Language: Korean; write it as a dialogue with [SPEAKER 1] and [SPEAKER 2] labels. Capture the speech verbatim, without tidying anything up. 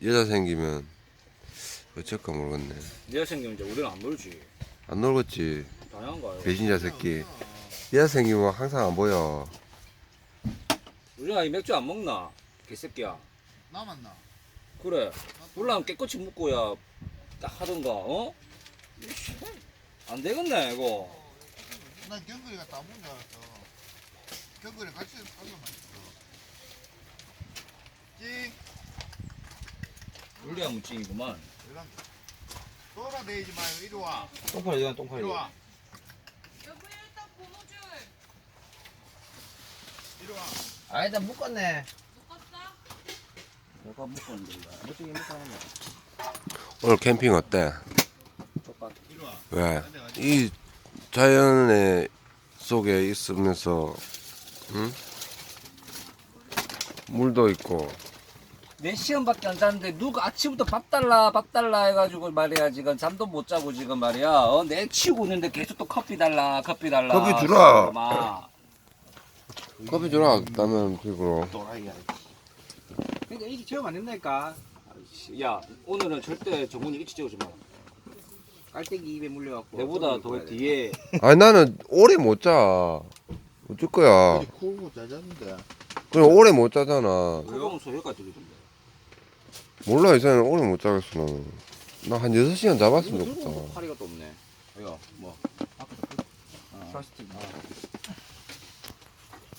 [SPEAKER 1] 여자 생기면 어쩔까 모르겠네.
[SPEAKER 2] 여자 생기면 이제 우리는 안 놀지.
[SPEAKER 1] 안 놀겠지.
[SPEAKER 2] 당연한가요?
[SPEAKER 1] 배신자 새끼. 여자 생기면 항상 안 보여.
[SPEAKER 2] 우리가 이 맥주 안 먹나? 개새끼야.
[SPEAKER 3] 남았나?
[SPEAKER 2] 그래. 물랑 깨끗이 묻고야 딱 하던가. 어? 이씨, 안 되겠네 이거.
[SPEAKER 3] 난 경근이가 다 먹은 줄 알았어. 경근이 같이 살려만 있어. 찡.
[SPEAKER 2] 우리가 무찡이구만.
[SPEAKER 3] 이런 돌아다니지 마요. 이리 와.
[SPEAKER 2] 똥파리 이건 똥파리.
[SPEAKER 3] 이리 와.
[SPEAKER 4] 여보 일단 고무줄
[SPEAKER 3] 이리 와.
[SPEAKER 2] 아니다 묶었네.
[SPEAKER 4] 묶었어?
[SPEAKER 2] 내가 묶었는데 이거. 무찡이 묶어놨네.
[SPEAKER 1] 오늘 캠핑 어때?
[SPEAKER 2] 똑같아.
[SPEAKER 3] 이리 와.
[SPEAKER 1] 왜? 이 자연의 속에 있으면서, 응? 물도 있고.
[SPEAKER 2] 네 시간밖에 안 잤는데 누가 아침부터 밥 달라 밥 달라 해가지고 말이야 지금 잠도 못 자고 지금 말이야 어, 내 치우고 있는데 계속 또 커피 달라 커피 달라
[SPEAKER 1] 커피 주라.
[SPEAKER 2] 막.
[SPEAKER 1] 커피 주라, 라면 픽으로.
[SPEAKER 2] 또라이야. 그러니까 일찍 재우면 안 된다니까. 아이씨, 야 오늘은 절대 정훈이 일찍 재우지 마.
[SPEAKER 5] 깔때기 입에 물려갖고
[SPEAKER 2] 내보다 더 뒤에
[SPEAKER 1] 아니, 나는 오래 못 자. 어쩔 거야.
[SPEAKER 3] 어디 쿨고 짜졌는데.
[SPEAKER 1] 그럼 오래 못 자잖아.
[SPEAKER 2] 그거는 소리가 들리던데.
[SPEAKER 1] 몰라, 이제는 오래 못 자겠어, 나는. 나 한 여섯 시간 잡았으면
[SPEAKER 5] 이거 들고
[SPEAKER 1] 좋겠다.
[SPEAKER 5] 파리가 또 없네. 이거 뭐
[SPEAKER 2] 플라스틱.
[SPEAKER 5] 아.